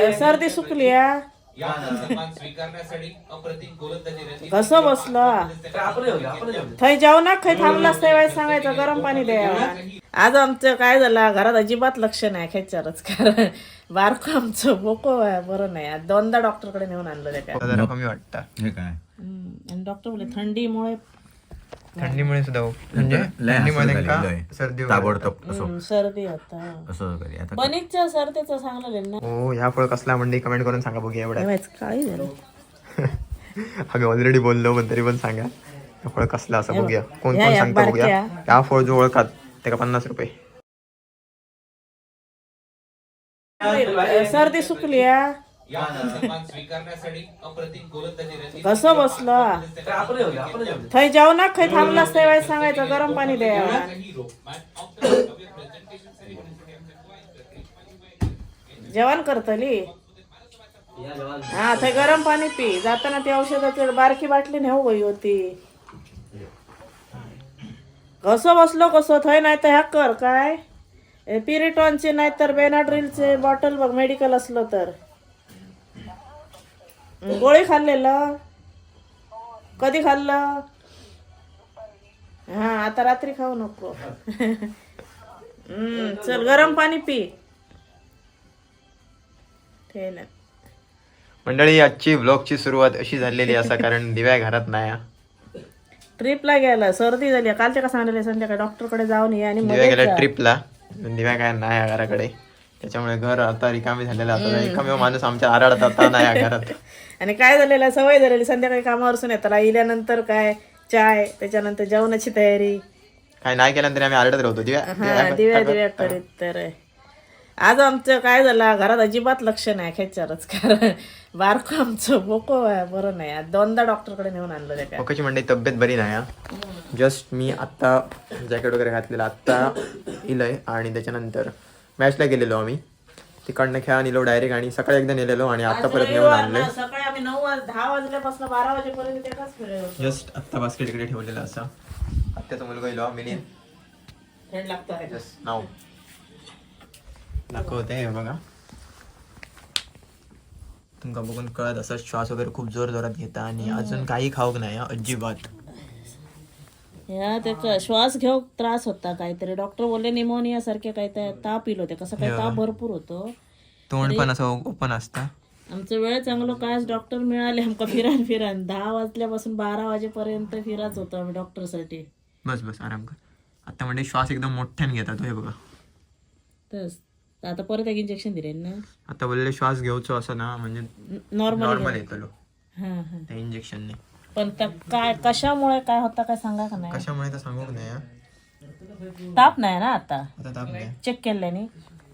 सर्दी सुकली कसं बसलं थंय जाऊ ना खै थांबलास तेव्हा सांगायचं गरम पाणी द्या. आज आमचं काय झालं घरात अजिबात लक्ष नाही खेचारच कारण बारकं आमचं बोको बरं नाही. आज दोनदा डॉक्टरकडे नेऊन आणलं त्या जरा कमी वाटतं हे काय आणि डॉक्टर बोलले थंडीमुळे सुद्धा म्हणजे थंडीमध्ये का सर्दी ताबडतोब असं सर्दी होता असं करी आता बनीच्या सर्दीचं सांगलं ना. हो ह्या फळ कसला म्हणजे कमेंट करून सांगा बघूया एवढ्या. काळी झालं आम्ही ऑलरेडी बोललो पण तरी पण सांगा ह्या फळ कसला असं बघूया. कोण ह्या कोण या सांगता बघूया. बारक्या. ह्या फळ जो ओळखात त्याला 50 रुपये. सर्दी सुकली कसं बसलं थंय जाऊ ना खै थांबलास तेव्हा सांगायचं गरम पाणी द्या. जेवण करतली हा थंय गरम पाणी पी. जाताना ती औषधाची बारकी बाटली नेऊ गई होती. कसं बसलो कसं थंय नाही तर ह्या कर काय पिरिटॉनचे नाही तर बेनाड्रिलचे बॉटल बघ मेडिकल असलं तर. गोळी खाल्लेलं कधी खाल्लं. हा आता रात्री खाऊ नको. चल गरम पाणी पी. ठेवलं मंडळी आजची व्लॉगची सुरुवात अशी झालेली असा कारण दिव्या घरात नाही. ट्रिपला गेला सर्दी झाली कालच्या का सांगितले संध्याकाळी डॉक्टरकडे जाऊन ये आणि दिव्या गेल्या ट्रिपला. दिव्या काय नाही घराकडे त्याच्यामुळे घर आता रिकामी झालेलं आता एकमेव माणूस आमच्या आराडात आता नाही घरात. आणि काय झालेलं सवय झालेली संध्याकाळी कामावरसून येताला इल्यानंतर काय चाय त्याच्यानंतर जेवणाची तयारी काय नाही केल्यानंतर आम्ही आरडत राहतो दिव्या करीत. तर आज आमचं काय झालं घरात अजिबात लक्ष नाही खेचारच कारण बारकं आमचं बोको बरं नाही. आज दोनदा डॉक्टरकडे नेऊन आणलं त्या ओकेची मंडळी तब्येत बरी नाही. जस्ट मी आत्ता जॅकेट वगैरे घातलेलं आत्ता इलंय आणि त्याच्यानंतर मॅचला गेलेलो आम्ही तिकडनं खेळा नेलो डायरेक्ट आणि सकाळी एकदा नेलेलो आणि आता परत नेऊन आणले. सकाळी आम्ही 9-10 वाजल्यापासून 12 वाजेपर्यंत एकाच फिरायला. जस्ट आत्ता बास्केट इकडे ठेवलेलं असं आत्याचा मुलगा इलो मिनी फ्रेंड लागतं जस्ट नाव दाखवते बघा. तुमका बघून कळत असं श्वास वगैरे खूप जोर जोरात घेता आणि अजून काही खाऊक नाही अजिबात. या त्याचा श्वास घेऊ त्रास होता काहीतरी डॉक्टर बोलले निमोनिया सारखे काय ताप इलो ते कसं काय ताप भरपूर होतो. तोंड पण असं ओपन असतं. आमचं वेळ चांगलं काय डॉक्टर मिळाले आमका फिरान 10 वाजल्यापासून 12 वाजेपर्यंत फिराच होतो आम्ही डॉक्टरसाठी. बस आराम कर. आता म्हणजे श्वास एकदम मोठ्याने घेतात हे बघा. तस आता परत एक इंजेक्शन दिले ना. आता बोलले श्वास घेऊचो असं ना म्हणजे नॉर्मल येतलो त्या इंजेक्शनने. पण काय कशामुळे काय होता काय सांगा का नाही. कशामुळे तर सांगू नाही. ताप नाही ना आता ताप नाही चेक केल्याने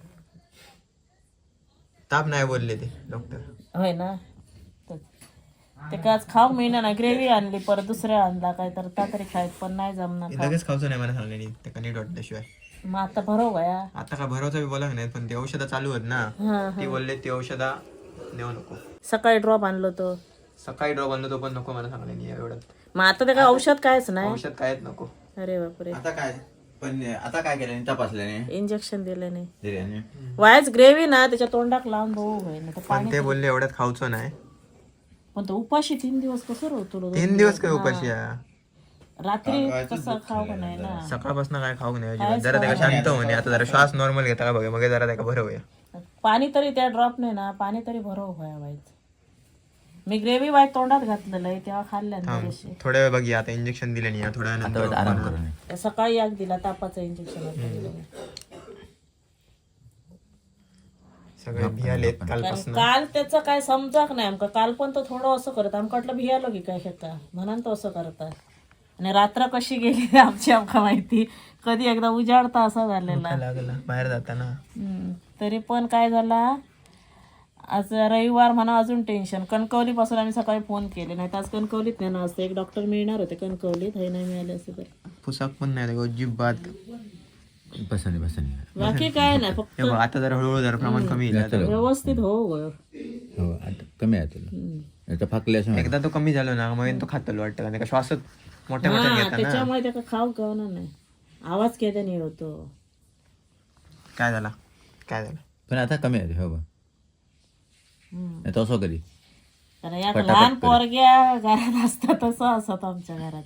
ताप नाही बोलले ते डॉक्टर. होय ना. ते काय आज खाऊ मिळणार ना ग्रेव्ही आणली परत दुसऱ्या आणला काय तर तरी खायत पण नाही जमणार. लगेच खाऊचं नाही मला सांगले ते कधी वाटल्याशिवाय. मग आता भरव गया आता का भरवचा बी बोला नाही पण ते औषधं चालू आहेत ना ती बोलले ती औषधा नेऊ नको. सकाळी ड्रॉप आणलो तो सकाळी ड्रॉप आणलो तो पण नको मला सांगले नाही एवढं. मग आता ते काय औषध कायच नाही. औषध कायच नको. अरे बापरे. आता काय पण आता काय केलं तपासल्याने इंजेक्शन दिले नाही दिल्याने वायच ग्रेव्ही ना त्याच्या तोंडाक लावून बघू होईल. पण ते बोलले एवढ्यात खाऊचं नाही. पण तो उपाशी 3 दिवस कसं राहतो 3 दिवस काय उपाशी आहे. रात्री कसं खाऊ का नाही ना. सकाळपासून काय खाऊ नाही अजिबात. जरा त्याला शांत होणे आता जरा श्वास नॉर्मल घेता का बघा मग जरा त्याला भरवूया. पाणी तरी त्या ड्रॉप नाही ना पाणी तरी भरव व्हायचं. मी ग्रेव्ही वाय तोंडात घातलेलं आहे तेव्हा खाल्ल्या थोड्या वेळ बघिया आता इंजेक्शन दिले नाही थोड्या नंतर आराम करून सकाळी एक दिला तापाचं इंजेक्शन. सगळे भियालेत कालपासून. काल त्याचं काय समजाक नाही आमका. काल पण तो थोडं असं करत आमका वाटलं भियालो की काय शेता म्हणून तो असं करता. आणि रात्र कशी गेली आमची आमका माहिती. कधी एकदा उजाडता असा झालेला लागला बाहेर जाताना. तरी पण काय झाला आज रविवार म्हणा अजून टेन्शन. कणकवली पासून आम्ही सकाळी फोन केले नाही तर आज कणकवलीत नाही ना असतं. एक डॉक्टर मिळणार होते कणकवलीत हे नाही मिळाले असे तर पुसाक पण नाही अजिबात. बसनी बाकी काय नाही फक्त आता जरा हळूहळू जरा प्रमाण कमी येईल. व्यवस्थित हो हो आता कमी आहे तुला फाकल्या एकदा तो कमी झालो ना मग तो खातलो वाटतं का श्वासच मोठ्या मोठ्या घेता ना त्याच्यामुळे त्याला खाऊ कळणार नाही. आवाज केल्याने होतो. काय झाला पण आता कमी आहे हो नाही तसं कधी कारण या पटापट लहान करेल. पोरग्या घरात असतात तसं असत आमच्या घरात.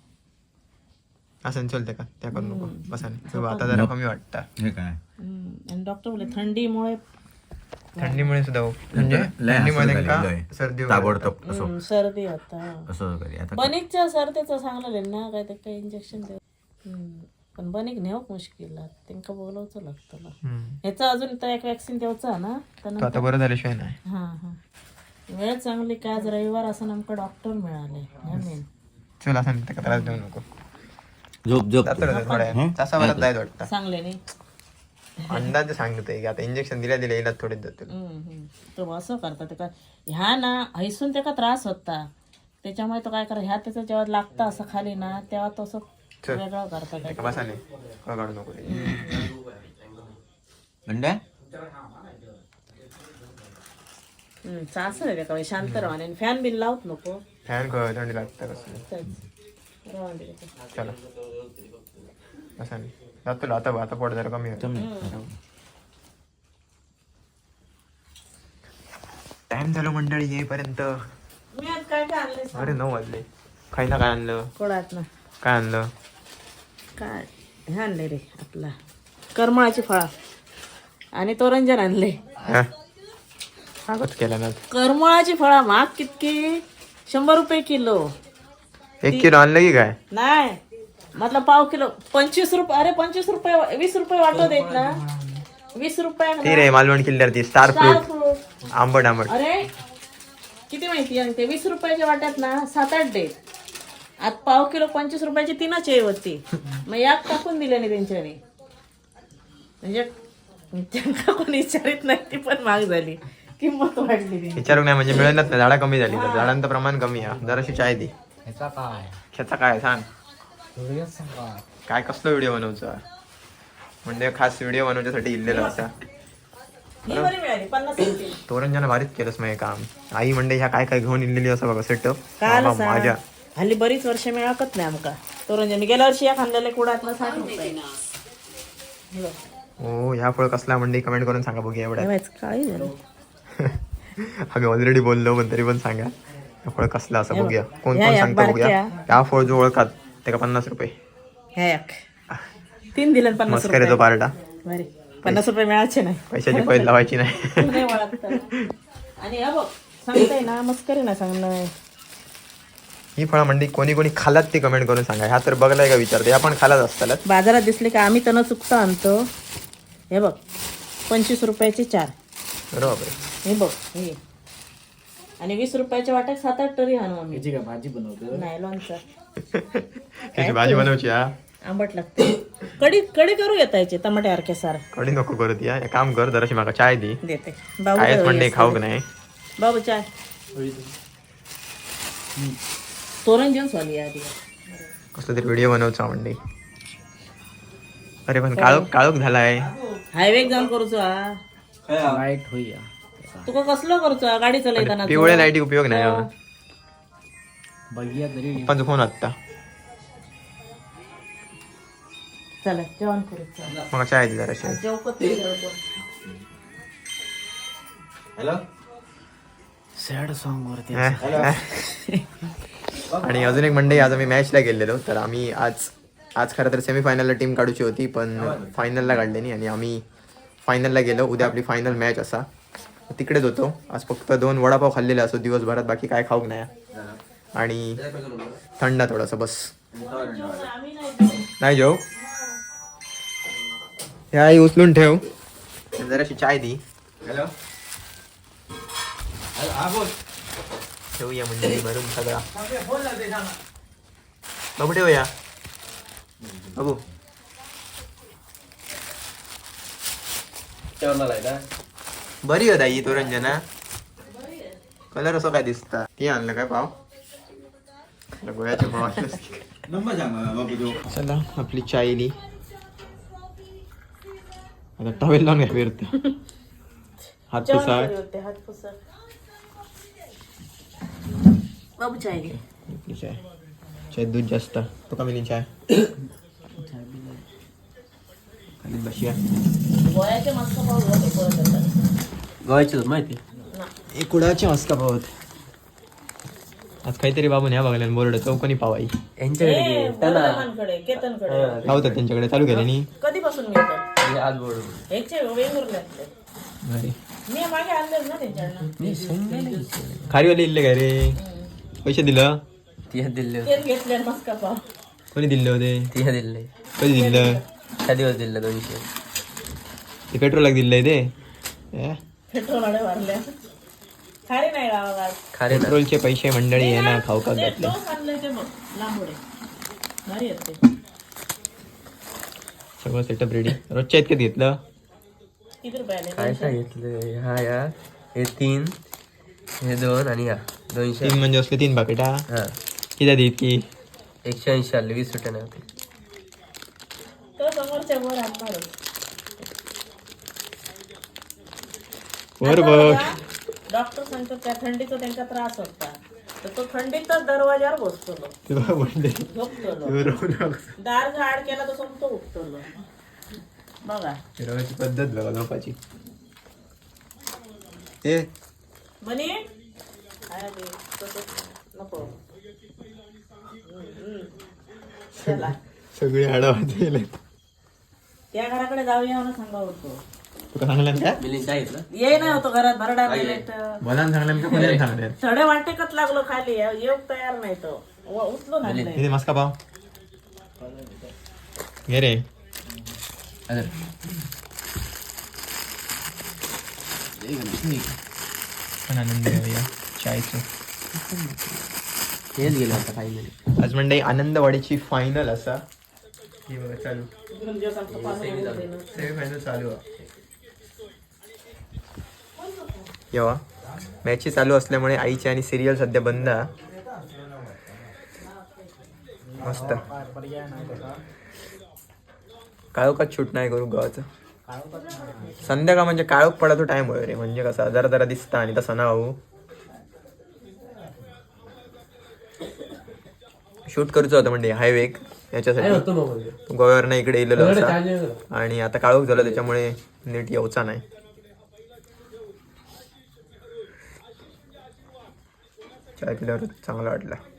असं चलते का त्या करू नको बसा नाही. आता जरा कमी वाटतं. हे काय आणि डॉक्टर बोलले थंडीमुळे थंडीमुळे सुद्धा म्हणजे लय थंडीमुळे असं त्यांका झालंय. सर्दी वगैरे ताबडतोब असं सर्दी होता. असं कधी आता बनिकच्या सर्दीचं सांगलेलं ना काय ते काही इंजेक्शन देऊ. पण बनिक नेऊक मुश्किल त्यांना बोलवचं लागतं. ह्याचा अजून तर एक वॅक्सिन द्यायचा ना तो आता बरं झाल्याशिवाय नाही. हा हा वेळ चांगली काय आज रविवार असं नेमकं डॉक्टर मिळाले मेन. चल असं नाही त्याला त्रास देऊ नको. झोप झोप जातो थोड्या तासाभरात जायचं वाटतं. चांगले नाही अंदाज सांगतोय की आता इंजेक्शन दिल्या येईल थोडेच जातील. तो असं करतात ते काय ह्या ना हैसून त्याचा त्रास होता त्याच्यामुळे तो काय करा ह्या त्याचं जेव्हा लागतं असं खाली ना तेव्हा तो असं वेगळं करतात. बसा नाही काढू नको अंड्या चास आहे का शांत राहा आणि फॅन बिन लावत नको. फॅन थंडी लागतं कसं. चला बसा नाही जातो आता आता पोट जरा कमी होतं. टाइम झालो मंडळी येईपर्यंत. मी आज काय काय आणले अरे 9 वाजले. खाई ना काय आणलं कोळात ना काय आणलं काय हे आणले रे आपला करमाळाची फळा आणि तोरंजन आणले. कागद केला ना. करमाळाची फळा महाग कितकी 100 रुपये किलो. 1 किलो आणलं की काय. नाही मतलब पाव किलो 25 रुपये. अरे 25 रुपये 20 रुपये वाटो देत ना 20 रुपये ती रे मालवण किल्ल्यावर ती स्टार फ्रूट fruit. आंबट आंबट. अरे किती माहिती आहे ते 20 रुपयाच्या वाट्यात ना 7-8 देत. आज पाव किलो 25 रुपयाची 3च आहे होती. मग यात टाकून दिले नाही त्यांच्याने म्हणजे त्यांना कोणी विचारित नाही ती पण महाग झाली किंमत वाढली ती. विचारू नाही म्हणजे मिळेलच नाही. झाडा कमी झाली तर झाडांचं प्रमाण कमी आहे. जराशी चाय दे. ह्याचा काय सांग काय कसला व्हिडिओ बनवचा म्हणजे खास व्हिडिओ बनवण्यासाठी इल्लेला असा. ही बरी मिळाली 50 रुपये. तोरंजना भारीच केलंस मग काम. आई म्हणजे ह्या काय काय घेऊन इल्लेली असं बघा सेटअप काय माझ्या. हल्ली बरीच वर्ष मिळाकत नाही आमका तोरंजन. मी गेल्या वर्षी या खाल्लेल्या कुडातला 60 रुपये. हो ह्या फळ कसला म्हणजे कमेंट करून सांगा बघूया एवढ्या. काय झालं आम्ही ऑलरेडी बोललो पण तरी पण सांगा हे फळ कसलं असं बघूया. कोण ह्या कोण एक सांगतो बघूया. बारक्या. त्या फळ जो ओळखात त्याला 50 रुपये. ह्या एक 3 दिले 50 मस्करी तो रुपये. पार्टा. बरे 50 रुपये मिळायचे नाही. पैशाची पैल लावायची नाही. नाही ओळखत. आणि हा बघ सांगताय ना मस्करी ना सांगणं. ही फळं म्हणजे कोणी कोणी खालात ते कमेंट करून सांगा. ह्या तर बघलाय का विचारते. ह्या पण खालाच असतात. बाजारात दिसले का आम्ही तर चुकता आणतो. हे बघ 25 रुपयाचे 4. बरोबर. हे बघ हे आणि 20 रुपयाच्या वाट्यात 7-8 तरी आणू आम्ही. भाजी बनवतो नाही लोणचं त्याची भाजी बनवची हा. आंबट लागते. कडी कडी करू येतायचे टमाट्यासारखे सार. कडी नको करत या. एक काम कर जराशी माका चाय दे. देते कायच म्हणजे खाऊक नाही. बाबू चाय तोरण जेवण स्वाली आधी कसलं तरी व्हिडिओ बनवचा म्हणजे. अरे पण काळोख काळोख झालाय. हायवे जाऊन करूचो लाईट होईया तुका कसलो करूचो गाडी चलयताना पिवळ्या लाईटी उपयोग नाही. बघिया तरी पप्पांचा फोन आत्ता. चला जेवण करूचो. मग चाय दे जराशी. जेवपत हॅलो सॅड सॉन्ग वरती आणि अजून एक मंडळी आज आम्ही मॅचला गेलेलो. तर आम्ही आज खरं तर सेमीफायनलला टीम काढूची होती पण फायनलला काढली नाही आणि आम्ही फायनलला गेलो. उद्या आपली फायनल मॅच असा तिकडेच होतो. आज फक्त 2 वडापाव खाल्लेले असो दिवसभरात. बाकी काय खाऊक नाही. आणि थंड थोडंसं बस. नाही जेव ह्या आई उचलून ठेव. जराशी चाय दी. हॅलो ठेवूया म्हणजे भरून सगळा बाबू ठेवूया. बाबू बरी होता ही तोरंजना. कलर असं काय दिसता. ती आणलं काय पाव गोळ्याचे पाव आणलं. चला आपली चाय इली. आता टॉवेल लावून घ्या फिरते. हात पुसा. बाबू चाय घे. चाय चाय दूध जास्त तो कमी चाय. खाली बसूया. गोळ्याचे मस्त पाव होते परत गव्हाची माहिती हे कुडाचे मस्का पावत आज काहीतरी बाबून ह्या बघायला बोर्ड चौकोनी पावाई बोरदमानकडे, केतनकडे लावतात त्यांच्याकडे चालू केले नी कधीपासून मिळतात ह्याचे वेंगुर्ल्यातले मी मागे आणलेच ना त्यांच्याकडनं खारीवाले इल्ले काय रे पैसे दिलं तेच घेतले मस्का पाव कोणी दिले होते दिले कधी दिलं त्या दिवस दिलं 200 ते पेट्रोल दिलंय ते पेट्रोल भरल्या खारी नाही गावात खारे ना पेट्रोलचे पैसे मंडळी आहे ना खाऊ का घातले टोस आणलंय ते बघ लांबोडे भारी आहेत ते सगळं सेटअप रेडी रोजच्या इतक्यात घेतलं किती रुपयाले काय सांगितलं हा या हे 3 हे 2 आणि या 200 तीन म्हणजे असले 3 पाकिटा हा किती देत की 180 आले 20 रुपये नाही होते तो समोरच्या वर आणणार वर बघ डॉक्टर सांगतो त्या थंडीचा त्यांचा त्रास होता तर तो थंडीतच दरवाजावर बसतो तुला म्हणते झोपतो दार झाड केला तर समतो उठतो बघा फिरवायची पद्धत बघा झोपाची ते म्हणे नको चला सगळी आडावाचे त्या घराकडे जाऊया म्हणून सांगा होतो तुका सांगलं काय मिलिंद काय घेतलं ये नाही होतो घरात भरडा प्लेट बोलान सांगलं का कोणाला सांगणार थोडे वाटेकच लागलो खाली येऊ तयार नाही तो उचलून आणलंय किती मस्का पाव घे रे पण आनंद घेऊया चायचं हेच गेलं आता फायनली आज म्हणजे आनंदवाडीची फायनल असा ही बघा चालू सेमीफायनल चालू आहे येवा मॅची चालू असल्यामुळे आईची आणि सिरियल सध्या बंद आहे. मस्त काळोखात शूट नाही करू गावाचं संध्याकाळ म्हणजे काळोख पडायचा टाइम होय रे म्हणजे कसा जरा जरा दिसता आणि तसं ना होऊ शूट करूच होतं म्हणजे हायवे याच्यासाठी गोव्यावरनं इकडे येलेलो असा आणि आता काळोख झालं त्याच्यामुळे नीट येऊचा नाही चाय पिल्यावर चांगला वाटला